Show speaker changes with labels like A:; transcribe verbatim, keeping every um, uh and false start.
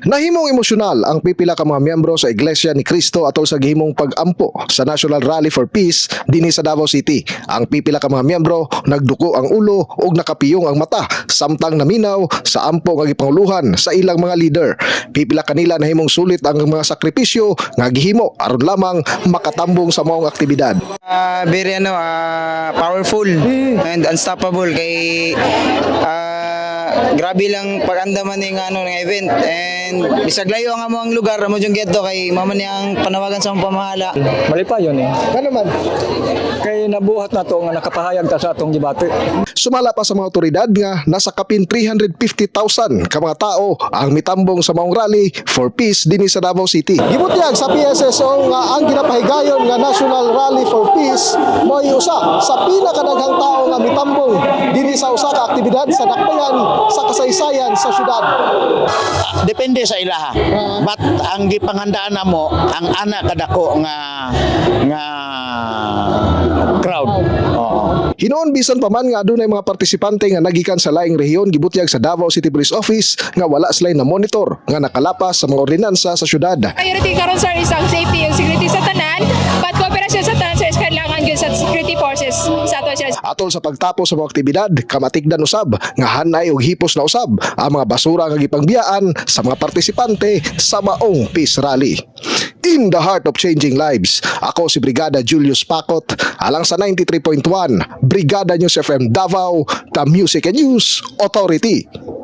A: Nahimong emosyonal ang pipila ka mga miyembro sa Iglesia ni Cristo atol sa gihimong pag-ampo sa National Rally for Peace dinhi sa Davao City. Ang pipila ka mga miyembro nagduko ang ulo ug nakapiyong ang mata samtang naminaw sa ampo nga gipanguluhan sa ilang mga leader. Pipila kanila nahimong sulit ang mga sakripisyo nga gihimo aron lamang makatambong sa maong aktibidad.
B: Uh, very ano, uh, powerful and unstoppable kay uh, grabe lang pag-andaman ng ano ng event and bisag layo ang among lugar mo jung geto kay mama niyang panawagan sa among pamahala.
C: Mali pa yun eh.
A: Ano man?
C: Kay nabuhat na to nga nakapahayag ta sa atong gibati.
A: Sumala pa sa mga otoridad nga nasa kapin three hundred fifty thousand ka mga tao ang mitambong sa maong rally for peace dinhi sa Davao City. Gibutyag sa P S S O nga ang ginapahigayon nga National Rally for Peace mo'y usa sa pinakadaghang tao nga mitambong dinhi sa usa ka aktibidad sa dakbayan sa kasaysayan sa syudad.
D: Depende sa ilaha. But ang gipanghandaan namo ang ana kadako nga nga crowd. Oo.
A: Hinoon bisan pa man nga adunay mga partisipante nga nagikan sa laing rehiyon gibutyag sa Davao City Police Office nga wala sila na monitor nga nakalapas sa mga ordinansa sa syudad.
E: Priority karon sir is ang safety and security sa tanan, but kooperasyon sa tanan sir is kailangan gyud sa security forces sa ato sir.
A: Atol sa pagtapos sa mga aktibidad, kamatikdan usab nga hanay og hipos na usab ang mga basura nga gipangbiyaan sa mga partisipante sa maong peace rally. In the heart of changing lives, ako si Brigada Julius Pacot, alang sa ninety-three point one Brigada News F M Davao, the Music and News Authority.